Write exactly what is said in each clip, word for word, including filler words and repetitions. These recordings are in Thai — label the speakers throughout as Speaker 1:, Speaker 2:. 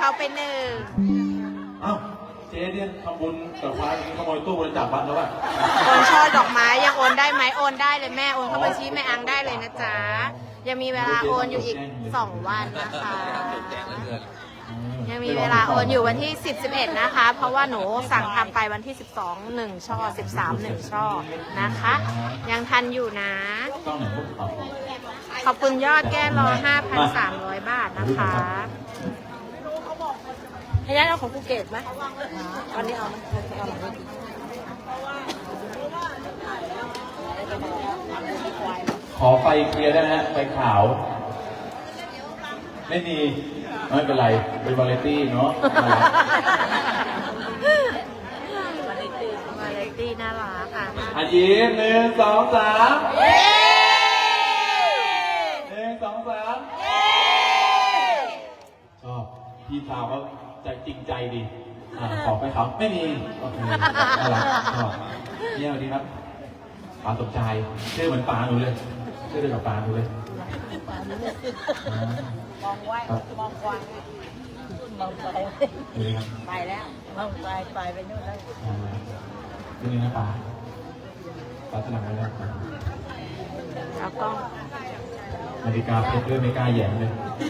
Speaker 1: เขาไปหนึ่ง
Speaker 2: อ้าวเจ๊เนี่ยทำบุญกับพระขโมยตู้บริจาควัดแล้วป่ะ
Speaker 1: โอนช่อดอกไม้ยังโอนได้ไหมโอนได้เลยแม่โอนเข้าบัญชีแม่อังได้เลยนะจ๊ะยังมีเวลาโอนอยู่อีกสองวันนะคะยังมีเวลาโอนอยู่วันที่สิบ สิบเอ็ดนะคะ เพราะว่าหนูสั่งทำไปวันที่สิบสอง หนึ่งช่อสิบสาม หนึ่งช่อนะคะ ยังทันอยู่นะขอบคุณยอดแก้รอ ห้าพันสามร้อย บาทนะคะให้ยัดเอาของภูเก็ตไหมวันนี้เอาไหมเอาหลังเลย
Speaker 2: ขอไฟเคลียร์ได้ไหมฮะไฟขาวไม่มีไม่เป็นไรเป็นวาเลตี้เนาะ
Speaker 1: วาเลตี้วาเลตี้น่ารักค่ะ
Speaker 2: อายิ้มหนึ่งสองสามหนึ่งสองสามชอบพี่สาวเขาใจจริงใจดีขอไปเขาไม่มีโอเคน่ารักชอบเนี่ยดีครับป๋าสมชายชื่อเหมือนป๋าหนูเลยชื่อเดียวกับป๋าหนูเลย
Speaker 3: มองไว้มองกว้างมองไปไปแล้วมองไปไปไปนู่นแล้ว
Speaker 2: ที่นี่นะป๋าป๋าสลับไปแล้ว
Speaker 1: แล้วก็
Speaker 2: นาฬิกาเพชรด้วยไม่กล้าแย่งเลย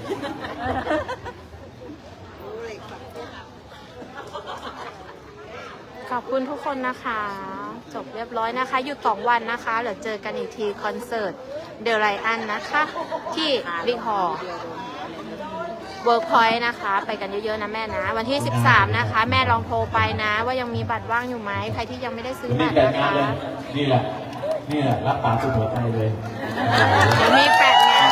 Speaker 1: ขอบคุณทุกคนนะคะจบเรียบร้อยนะคะหยุดสองวันนะคะเดี๋ยวเจอกันอีกทีคอนเสิร์ตเดลไลอันนะคะที่บิ๊กฮอลล์เวิร์กพอยต์นะคะไปกันเยอะๆนะแม่นะวันที่สิบสามนะคะแม่ลองโทรไปนะว่ายังมีบัตรว่างอยู่ไหมใครที่ยังไม่ได้ซื้อบัตรนะคะ
Speaker 2: นี่แหละนี่แหละรับป๋าสุดหัวใจเลย
Speaker 1: มีแปดงาน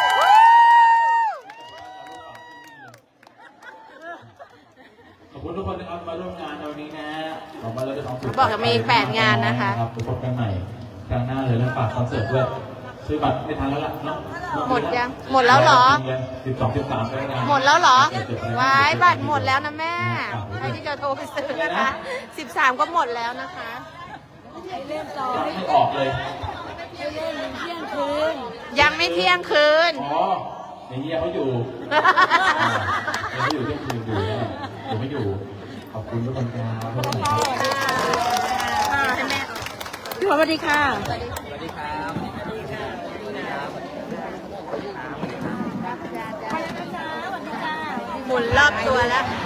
Speaker 2: ขอบคุณทุกคนนะครับมาร่วมงานในวันนี้นะขอบคุณแล้วจะต้อง
Speaker 1: บอกจะมีแปดงานนะคะ
Speaker 2: ครับพบกันใหม่ครั้งหน้าเลยแล้วฝากคอนเสิร์ตด้วยซื้อบัตรไม่ทันแล้วล่ะเนาะ
Speaker 1: หมดยังหมดแล้วเหรอ
Speaker 2: สิบสองสิบสามไปงาน
Speaker 1: หมดแล้วเหรอว้ายบัตรหมดแล้วนะแม่ใครที่จะโทรไปซื้อนะคะสิบสามก็หมดแล้วนะคะ
Speaker 2: ไม่ออกเลย
Speaker 1: ยังไม่เที่ยงคืน
Speaker 2: อ๋อในเฮียเขาอยู่เขาอยู่เที่ยงคืนอยู่นะผมไม่อยู่ขอบคุณทุกคนครับ
Speaker 3: พี่สวัสดีค่ะ
Speaker 2: สวัสดีครับ
Speaker 1: หมุนรอบตัวแล้ว